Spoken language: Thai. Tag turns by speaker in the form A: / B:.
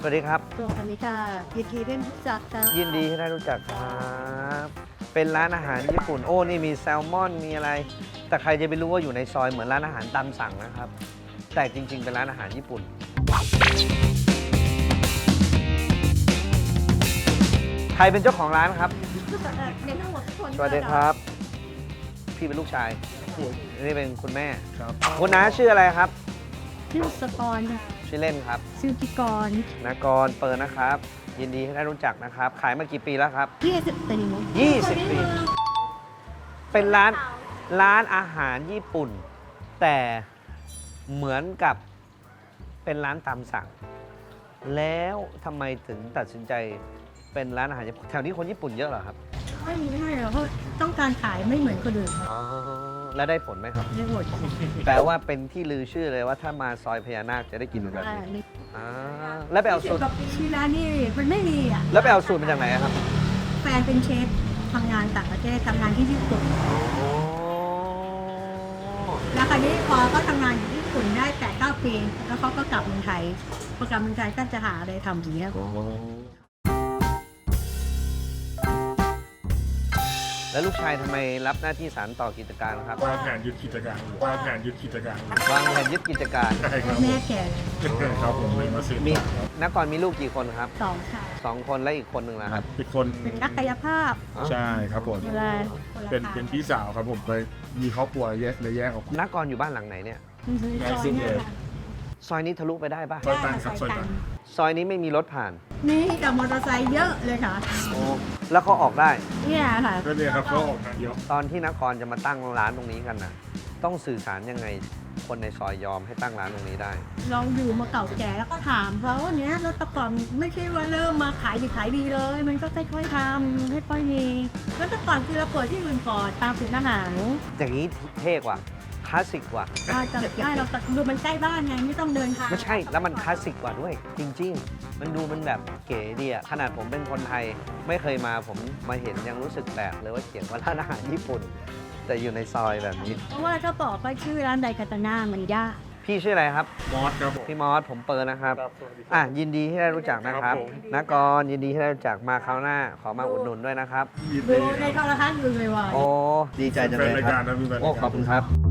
A: สวัสดีครับ
B: สวัสดีค่ะยินดีได้รู้จักค่ะ
A: ยินดีที่ได้รู้จักครับ เป็นร้านอาหารญี่ปุ่น โอ้นี่มีแซลมอนมีอะไร แต่ใครจะไปรู้ว่าอยู่ในซอยเหมือนร้านอาหารตามสั่งนะครับ แต่จริงๆเป็นร้านอาหารญี่ปุ่น ใครเป็นเจ้าของร้านครับ
B: ในทั้งหมดทุกคน
A: สวัสดีครับ พี่เป็นลูกชายนี่เป็นคุณแม่
C: ครับ
A: คุณน้าชื่ออะไรครับ
B: ชื่อสกรค่ะ
A: ชื่อเล่นครับ
B: ชื่อกิกร
A: นากรเปิดนะครับ ยินดีที่ได้รู้จักนะครับ ขายมากี่ปีแล้วครับ
B: 20 ปี
A: 20 ปี เป็นร้านอาหารญี่ปุ่น แต่เหมือนกับเป็นร้านตามสั่ง แล้วทำไมถึงตัดสินใจเป็นร้านอาหารญี่ปุ่นแถวนี้คนญี่ปุ่นเยอะเหรอครับ
B: ไม่มีให้หรอกเพราะต้องการขายไม่เหมือนคนอื่นครับ
A: อ๋อ แล้วได้ผลไหมครับ
B: ได้หมด
A: แปลว่าเป็นที่ลือชื่อเลยว่าถ้ามาซอยพญานาคจะได้กินแบบนี้
B: นี่
A: อ่าแล้วไปเอาสูตร
B: กับที่ร้านนี่มันไม่มีอ่ะ
A: แล้วไปเอาสูตรมาจากไหนอะครับ
B: แฟนเป็นเชฟทำงานต่างประเทศทำงานที่ญี่ปุ่น
A: โอ้
B: แล้วคราวนี้พอเขาทำงานอยู่ที่ญี่ปุ่นได้8-9 ปีแล้วเขาก็กลับเมืองไทยพอกลับเมืองไทยก็จะหาอะไรทำอย่างเงี้ย
A: แล้วลูกชายทำไมรับหน้าที่สานต่อกิจการครับ
C: วางแผนยึดกิจการอยู่วางแผนยึดกิจการอยู่
A: วางแผนยึดกิจการ
C: ใช่ครับ
B: แม่แก่
C: ครับผมเลยมาซื้อ
A: มี
C: ต่อครับ
A: นักก่อนมีลูกกี่คนครับ
B: 2 ค่ะ
A: 2 คนและอีกคนหนึ่งนะครับ
C: อีกคน
B: เป็นนักกายภาพ
C: ใช่ครับผม
B: เวลาคนละ
C: เป็น
B: ทาง
C: เป็นพี่สาวครับผมเลยมีครอบครัวเลยแยกออกมา
A: นักก่อนอยู่บ้านหลังไหนเนี่ย
B: ซอยเนี่ยค่ะ
A: ซอยนี้ทะลุไปได้ปะ
C: ซอยตันครับซอยตัน
A: ซอยนี้ไม่มีรถผ่าน
B: นี่กับมอเตอร์ไซค์เยอะเลยค่ะ
A: โอ้แล้วเขาออกได้
B: เนี่ยค่ะ
C: ก็เนี่ยครับเขาออกทางเดียว
A: ตอนที่นักกรจะมาตั้งร้านตรงนี้กันนะต้องสื่อสารยังไง คนในซอยยอมให้ตั้งร้านตรงนี้ได้
B: เราอยู่มาเก่าแก่แล้วก็ถามเขาว่าเนี้ยรถตะก่อนไม่ใช่ว่าเริ่มมาขายดีขายดีเลย มันก็ค่อยๆทำค่อยๆมีรถตะก่อนคือเราเปิดที่อื่นก่อนตามสูตรอาหาร
A: อย่างนี้เท่กว่าคลาสสิกกว่า
B: จะได้เราดูมันใกล้บ้านไงไม่ต้องเดินทาง
A: ไม่ใช่แล้วมันคลาสสิกกว่าด้วย จริง ๆ มันดูมันแบบเก๋ดีอะขนาดผมเป็นคนไทยไม่เคยมาผมมาเห็นยังรู้สึกแปลกเลยว่าเขียนว่าร้านอาหารญี่ปุ่น แต่อยู่ในซอยแบบนี้
B: เพราะว่าถ้าบอกว่าชื่อร้านไดคาตาน่ามันยาก
A: พี่ชื่ออะไรครับ
C: มอสครับผม
A: พี่มอสผมเปิดนะครับ
C: ครับสวัสดีครับ
A: อ่ะยินดีที่ได้รู้จักนะครับ
C: ครับผม
A: นักกรยินดีที่ได้รู้จักมาคราวหน้า ขอมาอุดหนุนด้วยนะครับ
C: ยิน
B: ดู
C: ดี
B: ในโทรทัศน์อยู่บ่อยๆ
A: โอ้ดีใจจัง
C: แฟ
A: เล
C: น
A: ย
C: ราย
A: ค
C: กา
A: รั
C: ร
A: บ
C: นะพี่แฟน
A: โอ้
C: ราย
A: ข
C: กา
A: อบคุณครับ